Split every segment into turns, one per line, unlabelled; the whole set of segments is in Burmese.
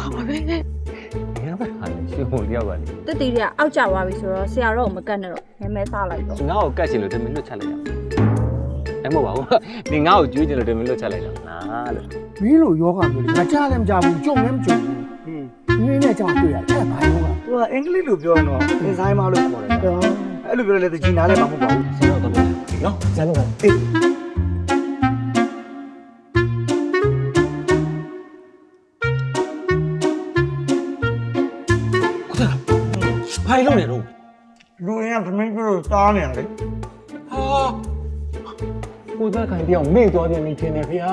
ခေါ်ပါပဲ
ဘယ်မှာဟာရှင်မို့တယောက်ကလေ
တက်တီတွေကအောက်ကျသွားပြီဆိုတော့ဆရာတော့မကတ်နဲ့တော့နည်းနည်းစားလိုက်တော့
ငါ့ကိုကတ်ချင်လို့တမင်လွတ်ချလိုက်တာအဲ့မဟုတ်ပါဘူးဒီငါ့ကိုကျွေးချင်လို့တမင်လွတ်ချလိုက်တာလားလို့
မင်းလိုယောဂမျိုးလေငါကြားလည်းမကြားဘူးကြုံလည်းမကြုံဘူးမင်းနဲ့ကြောင်တွေ့ရတယ်အဲ့ဘာယောဂ
သူကအင်္ဂလိပ်လိုပြောရင်တော့အင်ဇိုင်းမလို့ခေါ်တယ်အဲ့လိုပြောလဲတကြီးနားလည်းမဟုတ်ပါဘူး
ဆရာတော့တော့နော်
ဇာလုံးကအေး
ဘာလို့လဲတော့
လူရင်းကသမင်းပြလို့စားနေရတယ်
ဟာကိုသားခိုင်ပြောင်းမေ့သွားတယ်နေထင်တယ်ဗျာ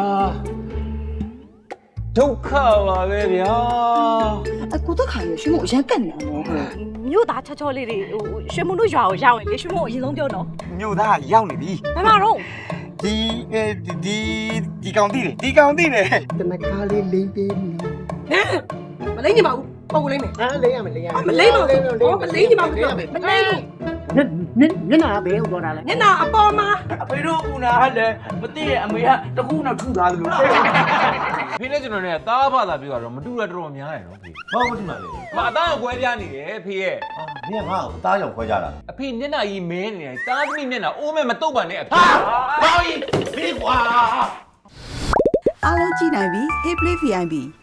ဒုက္ခပါပဲဗျာ
အကူတက်ခါရရှင်မို့အရင်ကတ်နေအောင်
မြို့သားချောချောလေးတွေဟိုရွှေမုံတို့ရွာကိုရောက်ရင်လေရွှေမုံအရင်ဆုံးပြောတော့
မြို့သားရောက်နေပြီ
ဘယ်မှာတော့
ဒီကောင်တိတယ်ဒီကောင်တိတယ်
တနကားလေးလိမ့်ပေးပြီ
မလိမ့်နေပါဘူးပုံလိမ့်မယ်
ဟာလိမ့်ရမယ်လိမ့်ရမယ်
မလိမ့်ပါဘူးမလိမ့်နေပါဘူးမလိမ့်ဘူး
ညနာဘယ်ဟုတ်တော့တာလဲ
ညနာအပေါ်မှာ
အဖေတို့ဦးနာဟတ်တယ်မသိရဲ့အမေကတခုနောက်ထုထားသလို
ဖေနဲ့ကျွန်တော်နဲ့သားဖသာပြောတော့မတူတာတော်တော်များတယ်နော်ဖေ
ဘာမှမမှန်လေ
မအသားကိုကွဲပြားနေတယ်ဖေရဲ့
။နင်ကငါ့ကိုအသားကြောင့်ခွဲကြတာ
အဖေမျက်နှာကြီးမဲနေတယ်တားသမီးမျက်နှာအိုးမဲ့မတုတ်ပါနဲ့အဖေ
ဟာဟောကြီးဖေးကွာ
အားလုံးကြည့်နိုင်ပြီ Hey Play VIP